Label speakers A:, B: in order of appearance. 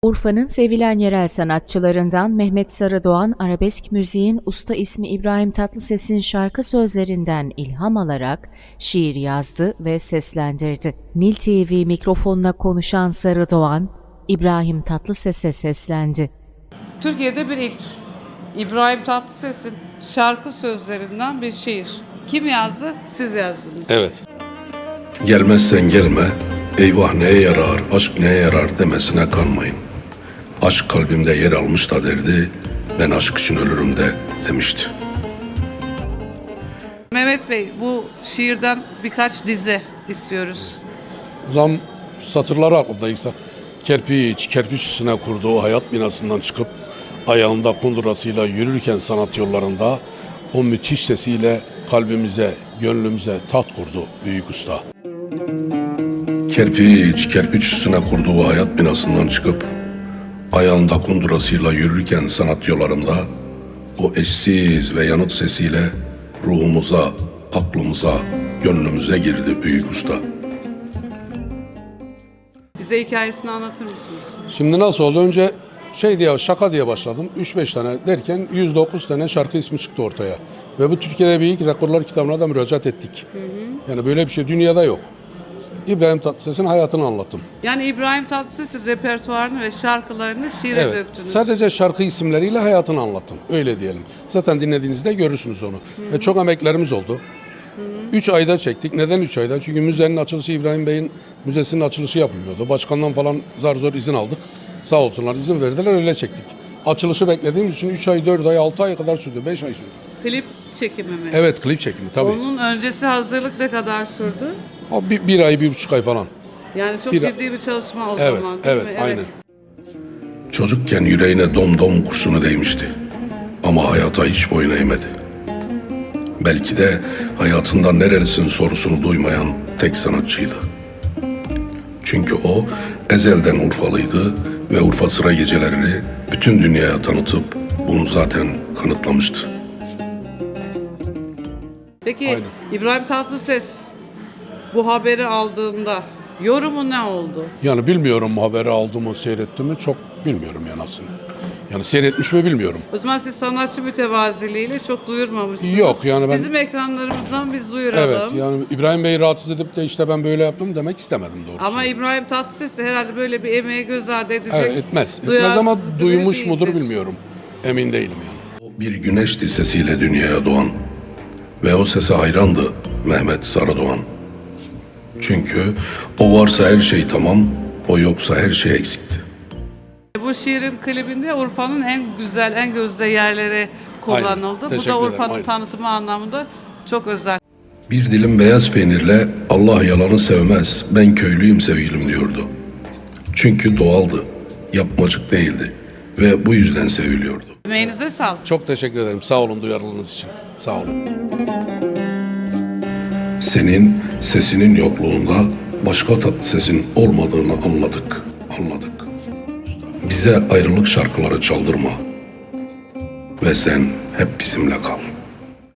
A: Urfa'nın sevilen yerel sanatçılarından Mehmet Sarıdoğan, arabesk müziğin usta ismi İbrahim Tatlıses'in şarkı sözlerinden ilham alarak şiir yazdı ve seslendirdi. Nil TV mikrofonuna konuşan Sarıdoğan, İbrahim Tatlıses'e seslendi.
B: Türkiye'de bir ilk. İbrahim Tatlıses'in şarkı sözlerinden bir şiir. Kim yazdı? Siz yazdınız.
C: Evet. Gelmezsen gelme, eyvah neye yarar, aşk neye yarar demesine kanmayın. Aşk kalbimde yer almış da derdi, ben aşk için ölürüm de demişti.
B: Mehmet Bey, bu şiirden birkaç dize istiyoruz.
D: Zam satırları aklımda insan. Kerpiç üstüne kurduğu hayat binasından çıkıp ayağında kundurasıyla yürürken sanat yollarında o müthiş sesiyle kalbimize, gönlümüze taht kurdu büyük usta.
C: Kerpiç üstüne kurduğu hayat binasından çıkıp ayağında kundurasıyla yürürken sanat yollarında o eşsiz ve yanık sesiyle ruhumuza, aklımıza, gönlümüze girdi büyük usta.
B: Bize hikayesini anlatır mısınız?
D: Şimdi nasıl oldu? Önce şaka diye başladım. 3-5 tane derken 109 tane şarkı ismi çıktı ortaya. Ve bu Türkiye'de büyük rekorlar kitabına da müracaat ettik. Yani böyle bir şey dünyada yok. İbrahim Tatlıses'in hayatını anlattım.
B: Yani İbrahim Tatlıses'in repertuarını ve şarkılarını şiire
D: Evet,
B: döktünüz.
D: sadece şarkı isimleriyle hayatını anlattım. Öyle diyelim. Zaten dinlediğinizde görürsünüz onu. Ve çok emeklerimiz oldu. 3 ayda çektik. Neden 3 ayda? Çünkü müzenin açılışı, İbrahim Bey'in müzesinin açılışı yapılmıyordu. Başkandan falan zar zor izin aldık. Sağ olsunlar izin verdiler, öyle çektik. Açılışı beklediğimiz için 3 ay, 4 ay, 6 ay kadar sürdü. 5 ay sürdü.
B: Klip çekimi mi?
D: Evet, klip çekimi tabii.
B: Onun öncesi hazırlık ne kadar sürdü?
D: O bir ay, 1,5 ay falan.
B: Yani çok ciddi bir çalışma o
D: Evet,
B: zaman değil
D: evet,
B: mi?
D: aynen.
C: Çocukken yüreğine dom kurşunu değmişti. Ama hayata hiç boyun eğmedi. Belki de hayatında nerelisin sorusunu duymayan tek sanatçıydı. Çünkü o ezelden Urfalıydı ve Urfa Sıra Gecelerini bütün dünyaya tanıtıp bunu zaten kanıtlamıştı.
B: Peki
D: Aynen.
B: İbrahim Tatlıses bu haberi aldığında yorumu ne oldu?
D: Yani bilmiyorum haberi aldı mı, seyretti mi çok bilmiyorum yani aslında. Yani seyretmiş mi bilmiyorum.
B: O zaman siz sanatçı mütevaziliğiyle çok duyurmamışsınız.
D: Yok, yani ben-
B: Bizim ekranlarımızdan biz duyuralım.
D: Evet, yani İbrahim Bey'i rahatsız edip de işte ben böyle yaptım demek istemedim doğrusu.
B: Ama İbrahim Tatlıses de herhalde böyle bir emeği göz ardı edecek.
D: Evet, etmez ama
B: duyarsız biri
D: duymuş mudur
B: değildir.
D: bilmiyorum. Emin değilim yani.
C: O bir güneşti sesiyle dünyaya doğan ve o sese hayrandı Mehmet Sarıdoğan. Çünkü o varsa her şey tamam, o yoksa her şey eksikti.
B: Bu şiirin klibinde Urfa'nın en güzel, en gözde yerleri kullanıldı.
D: Aynen,
B: Bu
D: teşekkür
B: da
D: ederim,
B: Urfa'nın
D: aynen.
B: tanıtımı anlamında çok özel.
C: Bir dilim beyaz peynirle Allah yalanı sevmez, ben köylüyüm sevgilim diyordu. Çünkü doğaldı, yapmacık değildi ve bu yüzden seviliyordu.
B: Emeğinize sağlık.
D: Çok teşekkür ederim. Sağ olun duyarlılığınız için. Sağ olun.
C: Senin sesinin yokluğunda başka tatlı sesin olmadığını anladık. Bize ayrılık şarkıları çaldırma ve sen hep bizimle kal.